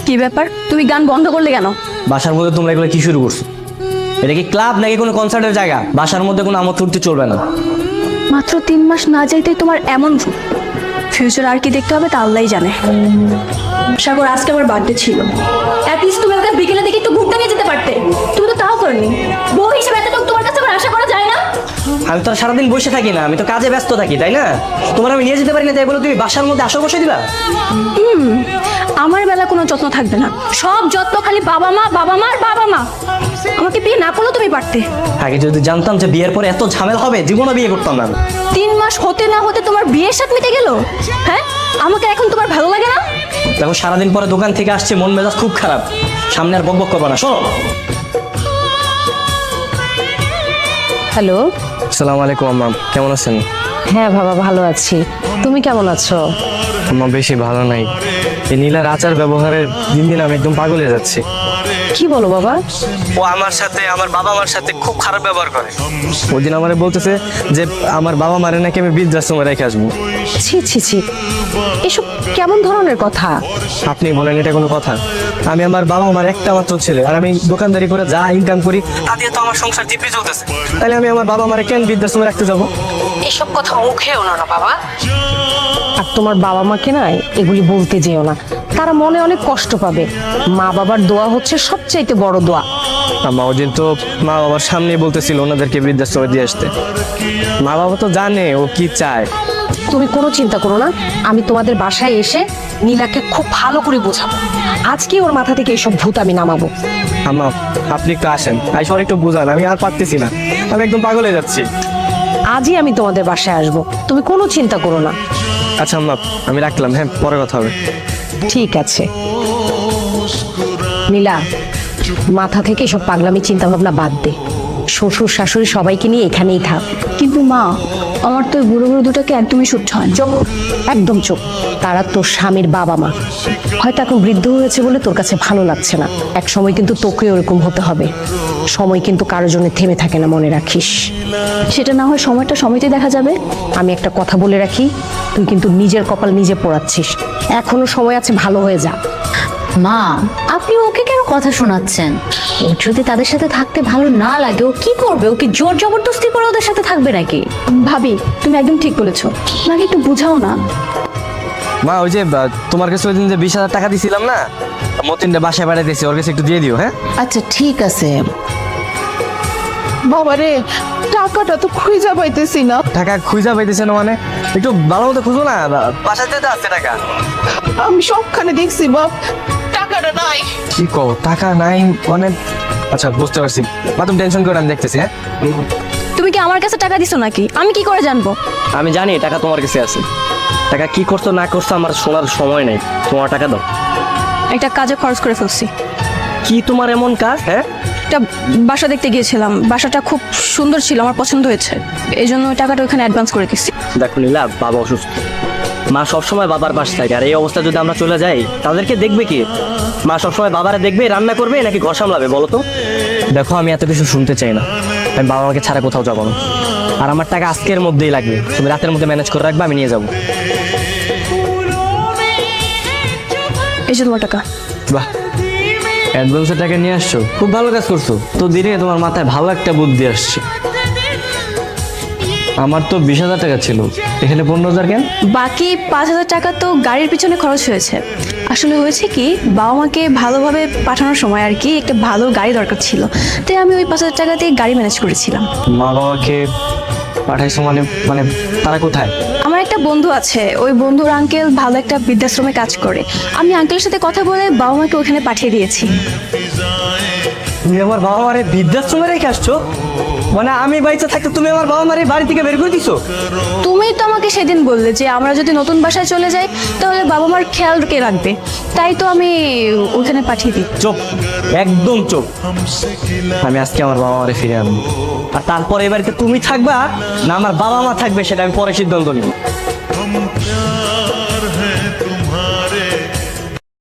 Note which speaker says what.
Speaker 1: কি ব্যাপার, তুমি গান বন্ধ করলে কেন?
Speaker 2: বাসার মধ্যে তোমরা এগুলো কি শুরু করছো? এটা কি ক্লাব নাকি কোনো কনসার্টের জায়গা? বাসার মধ্যে কোনো আমোদ ফুর্তি চলবে না।
Speaker 1: মাত্র 3 মাস না যাইতেই তোমার এমন ফিউচার আর কি দেখতে হবে তা আল্লাহই জানে। সাগর, আজকে আমার বার্থডে ছিল, অ্যাটলিস্ট তুমি আমাকে বিকেলে দেখে একটু ঘুরতে নিয়ে যেতে পারতে। তুমি তো তাও করনি। বউ হিসেবে এতটুকু তোমার কাছে আমার আশা করা যায় না?
Speaker 2: আমি তো আর সারাদিন বসে থাকি না, আমি তো কাজে ব্যস্ত থাকি, তাই না? তোমার আমি নিয়ে যেতে পারি না, তাই বলে তুমি বাসার মধ্যে আসর বসে দিবা?
Speaker 1: আমার বেলা কোনো যত্ন থাকবে না, সব যত্ন খালি বাবা মা বাবা মা আর বাবা মা। আমাকে বিয়ে না করলেও তুমি পারতে।
Speaker 2: আগে যদি জানতাম যে বিয়ের পরে এত ঝামেলা হবে, জীবনে বিয়ে করতাম না।
Speaker 1: 3 মাস হতে না হতে তোমার বিয়ের সাথে মিটে গেল। হ্যাঁ, আমাকে এখন তোমার ভালো লাগে না?
Speaker 2: দেখো, সারাদিন পরে দোকান থেকে আসছে, মন মেজাজ খুব খারাপ, সামনে আর বকবক করবো না, শোনো।
Speaker 3: হ্যালো।
Speaker 2: আসসালামু আলাইকুম আম্মা, কেমন আছেন?
Speaker 3: হ্যাঁ বাবা, ভালো আছি। তুমি কেমন আছো?
Speaker 2: আম্মা বেশি ভালো নাই। এই নীলার আচার ব্যবহারের দিন দিন আমি একদম পাগল হয়ে যাচ্ছি।
Speaker 3: কি বলো বাবা?
Speaker 2: ও আমার সাথে, আমার বাবা মার সাথে খুব খারাপ ব্যবহার করে। ওই দিন আমারে বলতেছে যে আমার বাবা মারে নাকি আমি বৃদ্ধাশ্রমে রেখে আসবো।
Speaker 3: ছি ছি ছি, এসব কেমন ধরনের কথা?
Speaker 2: আপনি বলেন এটা কোনো কথা? আমি আমার বাবা মার একটা মাত্র ছেলে, আর আমি দোকানদারি করে যা ইনকাম করি তা দিয়ে তো আমার সংসার জিপে চলতেছে। তাহলে আমি আমার বাবা মারে কেন বৃদ্ধাশ্রমে রাখতে যাবো?
Speaker 3: এসব কথা মুখেও না বাবা। আর তোমার বাবা মাকে না এগুলি বলতে যেও না, তারা মনে অনেক কষ্ট পাবে। মা বাবার দোয়া হচ্ছে সবচাইতে বড় দোয়া।
Speaker 2: আম্মা ওই দিন তো মা বাবার সামনে বলতেছিল ওনাদেরকে বৃদ্ধাশ্রমে দিয়ে আসতে। মা বাবা তো জানে ও কি চায়।
Speaker 3: তুমি কোনো চিন্তা করো না, আমি তোমাদের বাসায় এসে নীলাকে খুব ভালো করে বোঝাবো। আজকে ওর মাথা থেকে এসব ভূত আমি নামাবো।
Speaker 2: আম্মা আপনি একটু আসেন, আইসর একটু বুঝান, আমি আর পারতেছি না, আমি একদম পাগল হয়ে যাচ্ছি।
Speaker 3: আজই আমি তোমাদের বাসায় আসবো, তুমি কোনো চিন্তা করো না।
Speaker 2: আচ্ছা আম্মা, আমি রাখলাম, হ্যাঁ পরে কথা হবে।
Speaker 3: ঠিক আছে নীলা, মাথা থেকে সব পাগলামি চিন্তা ভাবনা বাদ দে। শ্বশুর শাশুড়ি সবাইকে নিয়ে এখানেই থাক।
Speaker 1: কিন্তু মা, আমার তো বুড়ো বুড়ো দুটাকে একদমই সহ্য হয় না।
Speaker 3: চুপ, একদম চুপ। তারা তোর স্বামীর বাবা মা, হয়তো এখন বৃদ্ধ হয়েছে বলে তোর কাছে ভালো লাগছে না, এক সময় কিন্তু তোকে ওরকম হতে হবে। সময় কিন্তু কারোর জন্য থেমে থাকে না, মনে রাখিস।
Speaker 1: সেটা না হয় সময়টা সময়তেই দেখা যাবে।
Speaker 3: আমি একটা কথা বলে রাখি, তুই কিন্তু নিজের কপাল নিজে পোড়াচ্ছিস। এখনো সময় আছে, ভালো হয়ে যা।
Speaker 4: মা, আপনি ওকে কেন কথা শোনাচ্ছেন? ও যদি তাদের সাথে থাকতে ভালো না লাগে, ও কি করবে? ওকে জোর জবরদস্তি করে ওদের সাথে থাকবে নাকি?
Speaker 1: ভাবি, তুমি একদম ঠিক বলেছো, আমাকে একটু বুঝাও না।
Speaker 2: মা ওই যে তোমার কাছে ওই দিন যে 20,000 টাকা দিছিলাম না, মতিনটা বাসায় পাঠাইতেছি, ওর কাছে একটু দিয়ে দিও। হ্যাঁ
Speaker 4: আচ্ছা ঠিক আছে।
Speaker 5: বাবারে, টাকাটা তো খুঁজে পাইতেছি না।
Speaker 2: টাকা খুঁজা পাইতেছে না মানে? একটু ভালো মতো খুঁজো না, বাসাতে তো আছে টাকা।
Speaker 5: আমি সবখানে দেখছি বাপ, টাকাটা নাই।
Speaker 2: কি কো, টাকা নাই মানে? আচ্ছা বুঝতে পারছি মা, তুমি টেনশন করে, আমি দেখতেছি। হ্যাঁ
Speaker 1: তুমি কি আমার কাছে টাকা দিছো নাকি? আমি কি করে জানবো?
Speaker 2: আমি জানি টাকা তোমার কাছে আছে। টাকা কি করছো না করছো আমার শোনার সময় নেই, তোমার টাকা দাও।
Speaker 1: একটা কাজে খরচ করে ফেলছি।
Speaker 2: কি তোমার এমন কাজ? হ্যাঁ
Speaker 1: একটা বাসা দেখতে গিয়েছিলাম, বাসাটা খুব সুন্দর ছিল, আমার পছন্দ হয়েছে, এই জন্য ওই টাকাটা ওখানে অ্যাডভান্স করে দিচ্ছি।
Speaker 2: দেখো নীলা, বাবা অসুস্থ, মা সবসময় বাবার পাশে থাকে, আর এই অবস্থা যদি আমরা চলে যাই তাদেরকে দেখবে কি? মা সবসময় বাবারে দেখবে, রান্না করবে নাকি ঘর সামলাবে বলো তো? দেখো আমি এত কিছু শুনতে চাই না, আমি বাবা মাকে ছাড়া কোথাও যাবো না। আর আমার টাকা আজকের মধ্যেই লাগবে, তুমি রাতের মধ্যে ম্যানেজ করে রাখবে, আমি নিয়ে যাবো।
Speaker 1: এই যে তোমার টাকা।
Speaker 2: বাহ, অ্যাডভান্সের টাকা নিয়ে আসছো, খুব ভালো কাজ করছো তো। দিনে তোমার মাথায় ভালো একটা বুদ্ধি আসছে। আমার তো 20,000 টাকা ছিল, এখানে 15,000 কেন?
Speaker 1: বাকি 5,000 টাকা তো গাড়ির পিছনে খরচ হয়েছে। আসলে হয়েছে কি, বাবা মাকে ভালোভাবে পাঠানোর সময় আর কি একটা ভালো গাড়ি দরকার ছিল, তাই আমি ওই 5,000 টাকা দিয়ে গাড়ি ম্যানেজ করেছিলাম।
Speaker 2: মা বাবাকে পাঠাইছো মানে? মানে তারা কোথায়?
Speaker 1: আমার একটা বন্ধু আছে, ওই বন্ধুর আঙ্কেল ভালো একটা বৃদ্ধাশ্রমে কাজ করে। আমি আঙ্কেলের সাথে কথা বলে বাবা মাকে ওখানে পাঠিয়ে দিয়েছি।
Speaker 2: তুমি আমার বাবা মারে বৃদ্ধাশ্রমে রেখে আসছো? মানে আমি বাড়িতে থাকতে তুমি আমার বাবা মারে বাড়ি থেকে বের করে দিছো?
Speaker 1: তুমি তো আমাকে সেদিন বললে যে আমরা যদি নতুন বাসায় চলে যাই তাহলে বাবা মার খেয়াল কে রাখবে, তাই তো আমি ওখানে পাঠিয়ে দিই।
Speaker 2: চুপ, একদম চুপ। আমি আজকে আমার বাবা মারে ফিরে আনবো, আর তারপরে এবারে তুমি থাকবা না আমার বাবা মা থাকবে সেটা আমি পরে সিদ্ধান্ত নিব।